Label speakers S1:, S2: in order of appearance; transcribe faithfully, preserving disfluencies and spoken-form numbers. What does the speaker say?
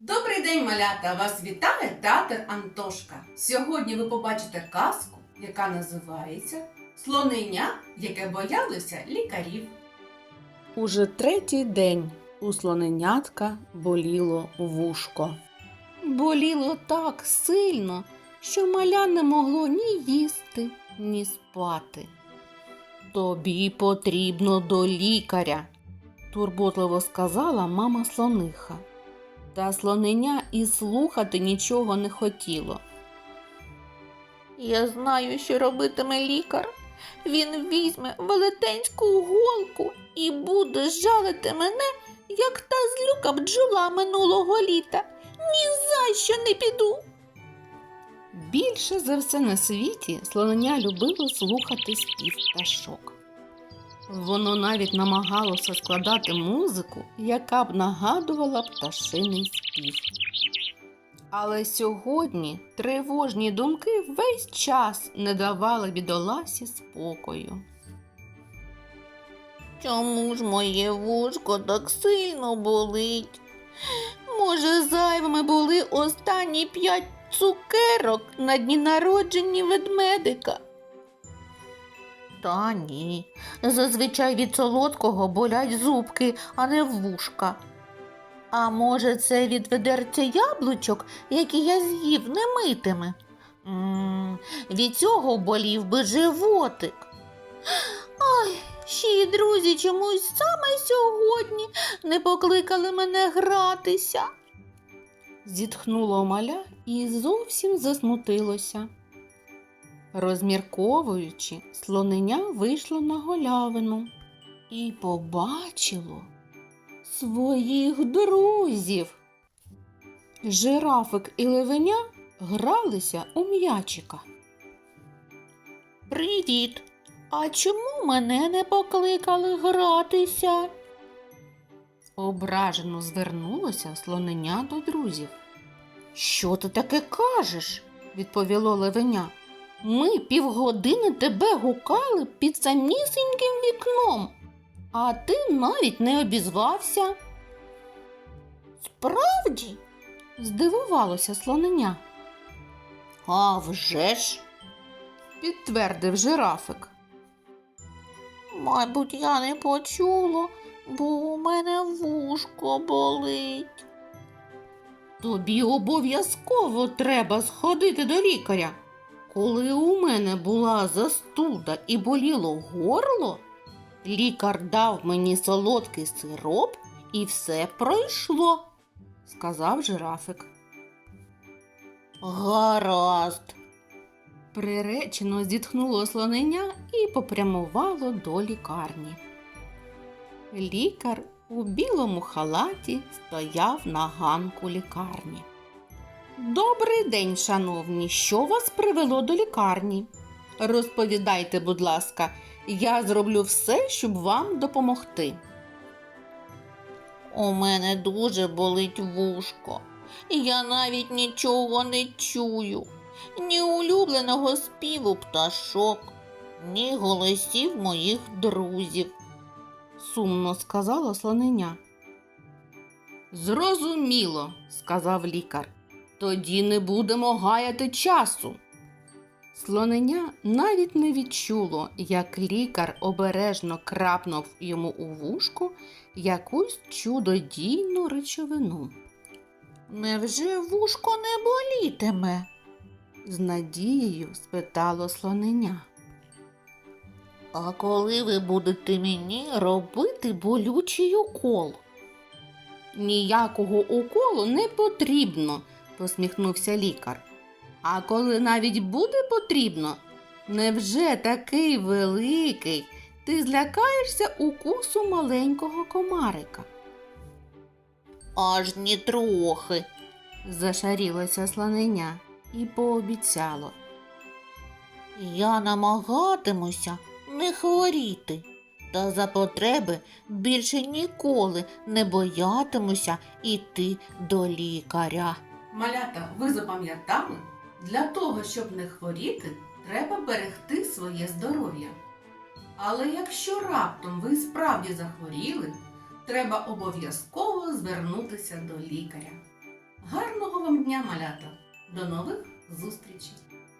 S1: Добрий день, малята! Вас вітає театр Антошка. Сьогодні ви побачите казку, яка називається «Слоненя, яке боялося лікарів». Уже третій день у слоненятка боліло вушко. Боліло так сильно, що маля не могло ні їсти, ні спати. «Тобі потрібно до лікаря», – турботливо сказала мама слониха. Та слоненя і слухати нічого не хотіло.
S2: Я знаю, що робитиме лікар. Він візьме велетенську голку і буде жалити мене, як та злюка бджола минулого літа. Ні за що не піду.
S1: Більше за все на світі слоненя любило слухати спів пташок. Воно навіть намагалося складати музику, яка б нагадувала пташиний спів. Але сьогодні тривожні думки весь час не давали бідоласі спокою.
S2: Чому ж моє вушко так сильно болить? Може, зайвими були останні п'ять цукерок на дні народження ведмедика? Та ні, зазвичай від солодкого болять зубки, а не вушка. А може, це від ведерця яблучок, які я з'їв немитими? М-м, від цього болів би животик. Ай, ще й друзі чомусь саме сьогодні не покликали мене гратися.
S1: Зітхнуло маля і зовсім засмутилося. Розмірковуючи, слоненя вийшло на галявину і побачило своїх друзів. Жирафик і левеня гралися у м'ячика.
S2: Привіт! А чому мене не покликали гратися?
S1: Ображено звернулося слоненя до друзів.
S2: Що ти таке кажеш?
S1: Відповіло левеня. Ми півгодини тебе гукали під самісіньким вікном, а ти навіть не обізвався.
S2: Справді?
S1: Здивувалося слоненя.
S2: А вже ж!
S1: Підтвердив жирафик.
S2: Мабуть, я не почула, бо у мене вушко болить.
S1: Тобі обов'язково треба сходити до лікаря. Коли у мене була застуда і боліло горло, лікар дав мені солодкий сироп і все пройшло, сказав жирафик.
S2: Гаразд.
S1: Приречено зітхнуло слоненя і попрямувало до лікарні. Лікар у білому халаті стояв на ганку лікарні. «Добрий день, шановні! Що вас привело до лікарні? Розповідайте, будь ласка, я зроблю все, щоб вам допомогти».
S2: У мене дуже болить вушко, і я навіть нічого не чую. Ні улюбленого співу пташок, ні голосів моїх друзів.
S1: Сумно сказала слоненя. «Зрозуміло», – сказав лікар. «Тоді не будемо гаяти часу». Слоненя навіть не відчуло, як лікар обережно крапнув йому у вушко якусь чудодійну речовину.
S2: Невже вушко не болітиме?
S1: З надією спитало слоненя.
S2: А коли ви будете мені робити болючий укол?
S1: Ніякого уколу не потрібно, посміхнувся лікар. А коли навіть буде потрібно, невже такий великий ти злякаєшся укусу маленького комарика?
S2: Аж ні трохи,
S1: зашарілося слоненя і пообіцяло.
S2: Я намагатимуся не хворіти, та за потреби більше ніколи не боятимуся іти до лікаря.
S1: Малята, ви запам'ятали? Для того, щоб не хворіти, треба берегти своє здоров'я. Але якщо раптом ви справді захворіли, треба обов'язково звернутися до лікаря. вам дня, малята! До нових зустрічей!